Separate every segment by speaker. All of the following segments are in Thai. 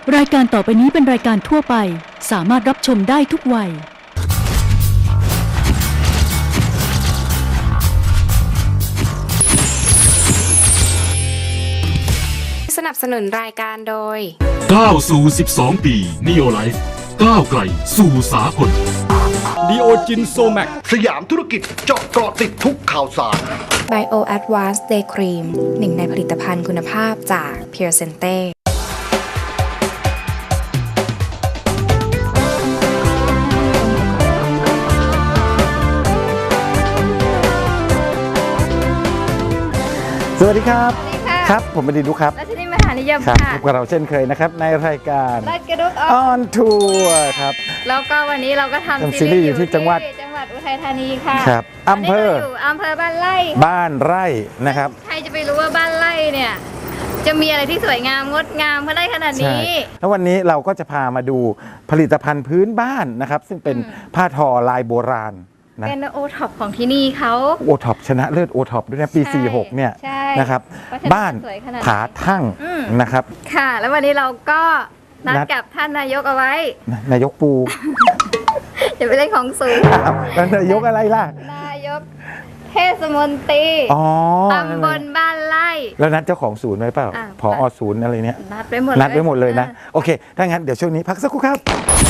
Speaker 1: รายการต่อไปนี้เป็นรายการทั่วไปสามารถรับชมได้ทุกวัย
Speaker 2: สนับสนุนรายการโดย
Speaker 3: ก้าวสู่12 ปี Neo Life ก้าวไกลสู่สากล
Speaker 4: ดีโอจินโซแมก
Speaker 5: สยามธุรกิจเจาะเกาะติดทุกข่าวสาร
Speaker 2: Bio Advanced Day Cream หนึ่งในผลิตภัณฑ์คุณภาพจาก Pure Sente
Speaker 4: สวัสดีครับครับผมบดินทร์ดุครับ
Speaker 6: รัชนีมหานิยม
Speaker 4: ครับ
Speaker 6: ค่ะ
Speaker 4: พบกับเราเช่นเคยนะครับในรายการ
Speaker 6: รัดกระดุกอ
Speaker 4: ออนทัวร์ครับ
Speaker 6: แล้วก็วันนี้เราก็ทำ
Speaker 4: ซีรีส์อยู่ที่จังหวัด
Speaker 6: อุทัยธานีค่ะ
Speaker 4: ครับอำเภอ
Speaker 6: บ้านไร่
Speaker 4: นะครับ
Speaker 6: ใครจะไปรู้ว่าบ้านไร่เนี่ยจะมีอะไรที่สวยงามงดงามได้ขนาดนี้
Speaker 4: แล้ววันนี้เราก็จะพามาดูผลิตภัณฑ์พื้นบ้านนะครับซึ่งเป็นผ้าทอลายโบราณ
Speaker 6: เป็นโอท็อปของที่นี่เขา
Speaker 4: โอท็อปชนะเลิศโอท็อปด้วยนะปี46เนี่ยนะครับบ้านผาทั่งนะครับ
Speaker 6: ค่ะแล้ววันนี้เราก็นัดกับท่านนายกเอาไว้
Speaker 4: นายกปู
Speaker 6: อย่าไปเล่นของสูง
Speaker 4: แล้วนายกอะไรล่ะ
Speaker 6: นายกเทศมนตรีตำบลบ้านไร่
Speaker 4: แล้วนัดเจ้าของศูนย์ไว้เปล่าผอ.ศูนย์อะไรเนี่ย
Speaker 6: นัดไปหมด
Speaker 4: เลยนะโอเคถ้างั้นเดี๋ยวช่วงนี้พักสักครู่ครับ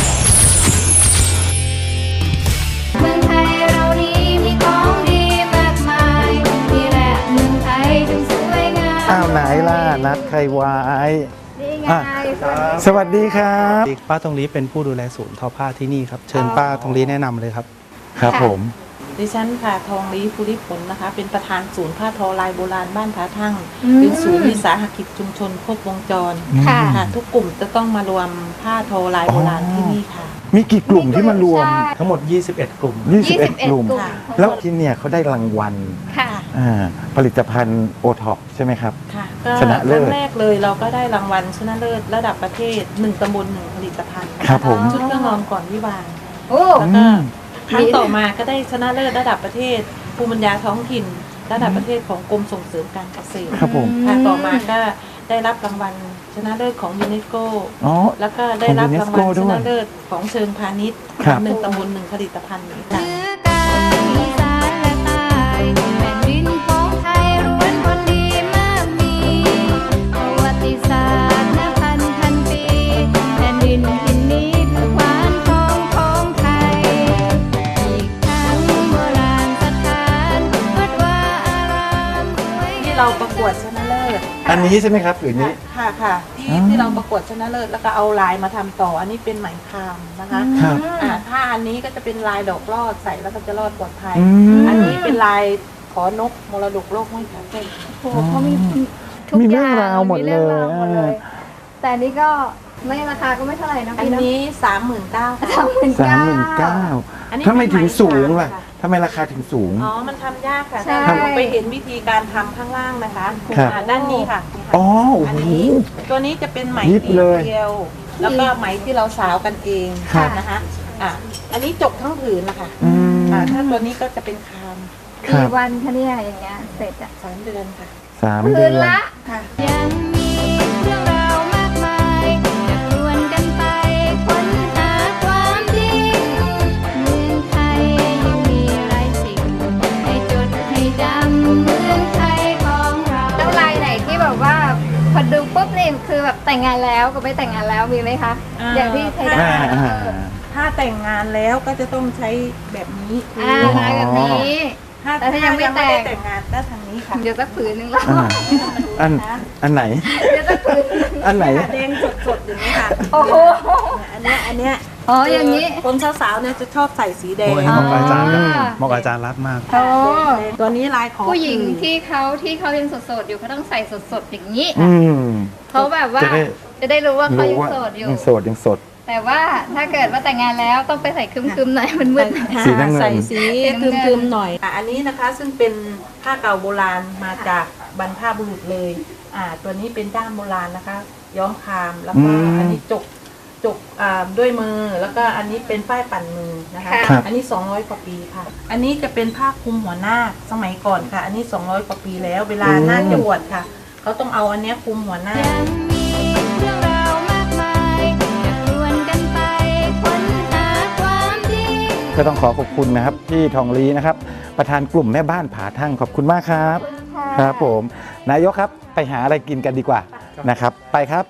Speaker 6: เมืองไทยเรานี้มีของดีมากมายนี่แหละเมืองไทยจึงสวยงาม
Speaker 4: อ้าวไหนล่ะนัดใครไว้
Speaker 6: นี่ไง
Speaker 4: สวัสดีครับ
Speaker 7: ป้าทองลี้เป็นผู้ดูแลศูนย์ทอผ้าที่นี่ครับเชิญป้าทองลี้แนะนำเลยครับ
Speaker 4: ครับผม
Speaker 8: ดิฉันค่ะทองลี้ภูริผลนะคะเป็นประธานศูนย์ผ้าทอลายโบราณบ้านผาทั่งเป็นศูนย์วิสาหกิจชุมชนครบวงจรค่ะทุกกลุ่มจะต้องมารวมผ้าทอลายโบราณที่นี่ค่ะ
Speaker 4: มีกี่กลุ่มที่มารวม
Speaker 7: ทั้งหมด21 กลุ่ม
Speaker 4: 21 กลุ่มแล้วที่เนี่ยเขาได้รางวัลผลิตภัณฑ์โอท็อปใช่ไหมครับ
Speaker 8: ค่ะก็ครั้งแรกเลยเราก็ได้รางวัลชนะเลิศระดับประเทศ1ตำบล1ผลิตภัณฑ์
Speaker 4: ครับผม
Speaker 8: ชุดเครื่องนอนก่อนวิวาห์แล้วก็ครั้งต่อมาก็ได้ชนะเลิศระดับประเทศภูมิปัญญาท้องถิ่นระดับประเทศของกรมส่งเสริมการเกษตร
Speaker 4: ครับผม
Speaker 8: ต่อมาก็ได้รับรางวัลชนะเลิศของยูเนสโกแล้วก็ได้รับรางวัลชนะเลิศของเชิงพาณิชย์1ตำบล1ผลิตภัณฑ์นี้ค่ะเราประกวดชนะเลิศ
Speaker 4: อันนี้ใช่ไหมครับหรือนี้
Speaker 8: ค่ะที่เราประกวดชนะเลิศแล้วก็เอาลายมาทำต่ออันนี้เป็นไหมครามนะคะถ้าอันนี้ก็จะเป็นลายดอกลอดใส่แล้วก็จะรอดปลอดภัยอันนี้เป็นลายขอนกมรดกโลกไม่ขาดเส้น
Speaker 6: โอ้เขามี
Speaker 4: เรื่องราวหมดเลย
Speaker 6: แต่นี้ก็ไม่ราคาก็ไม่เท่าไหร่นะ
Speaker 8: อันนี้39,000
Speaker 4: 39,000ทำไมถึงสูงล่ะทำไมราคาถึงสูง
Speaker 8: มันทำยากค่ะไปเห็นวิธีการทำข้างล่างนะคะด้านนี้ค่ะอันนี้ตัวนี้จะเป็นไหมเดียวแล้วก็ไหมที่เราสาวกันเองนะคะอันนี้จกทั้งผืนนะคะถ้าตัวนี้ก็จะเป็นคาม
Speaker 6: กี่วันคะเนี่ยอย่างเงี้ยเสร็จ
Speaker 8: 3 เดือนค่ะ
Speaker 4: 3 เดือน
Speaker 6: ละยังมีเรื่องราวมากมายจะชวนกันไปค้นหาความจริงเมืองไทยยังมีหลายสิ่งให้จดให้จำเมืองไทยของเราแล้วลายไหนที่แบบว่าพอดูปุ๊บนี่คือแบบแต่งงานแล้วกับไม่แต่งงานแล้วมีไหมคะอย่างที่ใช้ได้
Speaker 8: ถ้าแต่งงานแล้วก็จะต้องใช้แบบนี้
Speaker 6: แบบนี้แต่ถ้ายังไม่
Speaker 8: แต่งงานได้ทางนี้ค่ะ
Speaker 6: เดี๋ยวสักผืนนึงแล้ว
Speaker 4: อันไหน
Speaker 6: เดี๋ยวสักผืน
Speaker 4: อันไหน
Speaker 8: แดงสดๆอย่างนี้ค่ะ
Speaker 6: โอ้โห
Speaker 8: อันเนี้ย
Speaker 6: อย่างนี้
Speaker 8: คนสาวๆเนี่ยจะชอบใส่สีแดง
Speaker 7: เหมาะอาจารย์เหมาะอาจารย์รัดมาก
Speaker 8: ตัวนี้ลายของ
Speaker 6: ผู้หญิงที่เขายังโสดอยู่เขาต้องใส่สดๆอย่างนี้เขาแบบว่าจะได้รู้ว่าเขายังโสดอยู่
Speaker 4: ยังสด
Speaker 6: แต่ว่าถ้าเกิดว่าแต่งงานแล้วต้องไปใส่คึมๆหน่อยมันมึน
Speaker 8: ใส่สีคึมๆหน่อยอันนี้นะคะซึ่งเป็นผ้าเก่าโบราณมาจากบรรพบุรุษเลยตัวนี้เป็นด้ามโบราณนะคะย้อมคามแล้วก็อันนี้จกด้วยมือแล้วก็อันนี้เป็นป้ายปั่นมือนะคะอันนี้200 กว่าปีค่ะอันนี้จะเป็นผ้าคลุมหัวหน้าสมัยก่อนค่ะอันนี้200 กว่าปีแล้วเวลาหน้าจะบวชค่ะเขาต้องเอาอันนี้คลุมหัวหน้าเรื่องราวมากมาย
Speaker 4: ก็ต้องขอขอบคุณนะครับพี่ทองลีนะครับประธานกลุ่มแม่บ้านผาทั่งขอบคุณมากครับครับผมนายกครับไปหาอะไรกินกันดีกว่านะครับไปครับ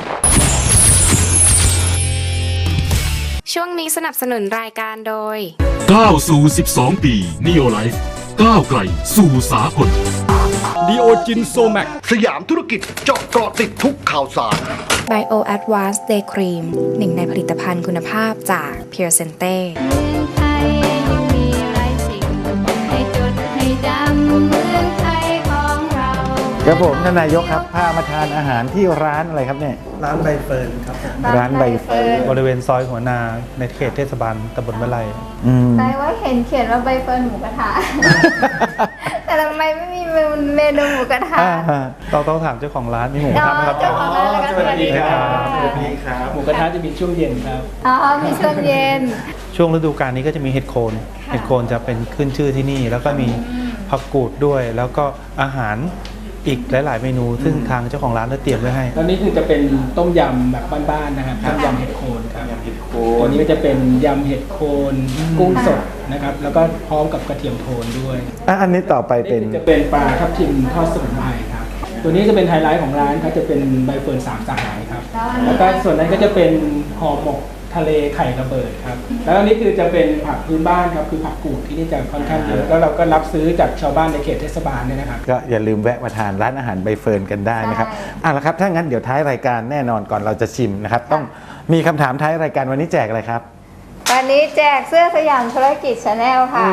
Speaker 2: ช่วงนี้สนับสนุนรายการโดย
Speaker 3: ก้าวสู่ 12 ปี Neo Life ก้าวไกลสู่สากล
Speaker 5: ดีโอจินโซแมกสยามธุรกิจเจาะเกาะติดทุกข่าวสาร
Speaker 2: Bio Advanced Day Cream หนึ่งในผลิตภัณฑ์คุณภาพจาก Pure Sente
Speaker 6: เมืองไทยยังมีหลายสิ่งให้จดให้จำเมืองไทยของเรา
Speaker 4: ครับผมท่านนายกครับพามาทานอาหารที่ร้านอะไรครับเนี่ย
Speaker 7: ร้านใบเฟิร์นครับ
Speaker 4: ร้านใบเฟิร์น
Speaker 7: บริเวณซอยหัวนาในเขตเทศบาลตำบลมะไล
Speaker 6: ใช่ว่าเห็นเขียนว่าใบเฟิร์นหมูกระทะ แต่ทำไมไม่มีเมนูหมูกระทะ
Speaker 7: ต้องถามเจ้าของร้านมีหมูกระทะไหมครับ
Speaker 6: เจ้าของร้านแล้วก็สวัสดีค่ะ
Speaker 7: สวัสดีครับหมูกระทะจะมีช่วงเย็นครับ
Speaker 6: อ๋อมีช่วงเย็น
Speaker 7: ช่วงฤดูกาลนี้ก็จะมีเห็ดโคนเห็ดโคนจะเป็นขึ้นชื่อที่นี่ แล้วก็มีผักกูดด้วย แล้วก็อาหารอีกหลาย ๆ เมนู ซึ่งทางเจ้าของร้านได้เตรียมไว้ให้
Speaker 9: ตอนนี้คือจะเป็นต้มยำแบบบ้านๆนะครับต้มยำเห็ดโคนครับตัวนี้ก็จะเป็นยำเห็ดโคนกุ้งสดนะครับแล้วก็พร้อมกับกระเทียมโทนด้วย
Speaker 4: อันนี้ต่อไปเป็น
Speaker 9: นี่จะเป็นปลาทับทิมทอดสมุนไพรครับตัวนี้จะเป็นไฮไลท์ของร้านครับจะเป็นใบเฟิร์นสามสหายครับแล้วก็ส่วนนั้นก็จะเป็นห่อหมกทะเลไข่ระเบิดครับแล้วอันนี้คือจะเป็นผักพื้นบ้านครับคือผักกูดที่นี่จะค่อนข้างเยอะแล้วเราก็รับซื้อจากชาวบ้านในเขตเทศบาลเนี่ยนะครับ
Speaker 4: ก็อย่าลืมแวะมาทานร้านอาหารใบเฟิร์นกันได้นะครับเอาละครับถ้างั้นเดี๋ยวท้ายรายการแน่นอนก่อนเราจะชิมนะครับต้องมีคำถามท้ายรายการวันนี้แจกอะไรครับ
Speaker 6: วันนี้แจกเสื้อสยามธุรกิจชาแนลค่ะ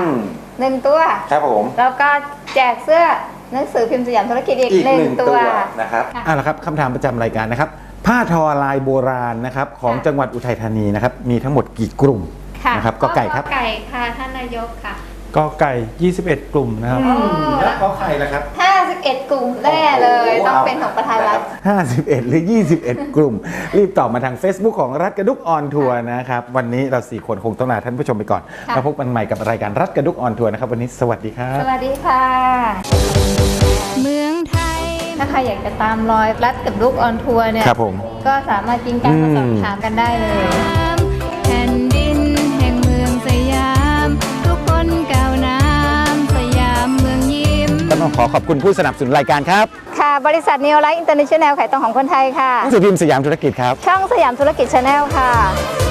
Speaker 6: 1 ตัว
Speaker 4: ครับผม
Speaker 6: แล้วก็แจกเสื้อหนังสือพิมพ์สยามธุรกิจอีก1 ตัว
Speaker 4: นะครับเอาละครับคำถามประจำรายการนะครับผ้าทอลายโบราณนะครับของจังหวัดอุทัยธานีนะครับมีทั้งหมดกี่กลุ่ม
Speaker 6: ค่ะ
Speaker 4: นะครับก็ไก่ครับ
Speaker 6: ไก่ค่ะท่านนายกค่ะ
Speaker 7: ก็ไก่ 21 กลุ่มนะครับ
Speaker 4: แล้วก็ไข่ละครับ
Speaker 6: 51 กลุ่มแน่เลยต้องเป็นของประธานรัฐ
Speaker 4: 51 หรือ 21 กลุ่ม รีบตอบมาทาง Facebook ของรัฐกระดุกออนทัวร์นะครับวันนี้เรา4คนคงต้องลาท่านผู้ชมไปก่อนแล้วพบกันใหม่กับรายการรัฐกระดุกออนทัวร์นะครับวันนี้สวัสดีครับ
Speaker 6: สวัสดีค่ะ เมืองไทย ถ้าใครอยากจะตามรอยรัฐกับลูกออนทัวร์เนี่ย
Speaker 4: ครับผม
Speaker 6: ก็สามารถกินการมาสอบถามกันได้เลย แผ่นดินแห่งเมืองสยาม ทุกคนก้าวน้ำสยามเมืองยิ้ม
Speaker 4: ก็ต้องขอบคุณผู้สนับสนุนรายการครับ
Speaker 6: ค่ะ บริษัท Neo Life International ขายตรงของคนไทยค่ะ
Speaker 4: หนังสือพิมพ์สยามธุรกิจครับ
Speaker 6: ช่องสยามธุรกิจชาแนลค่ะ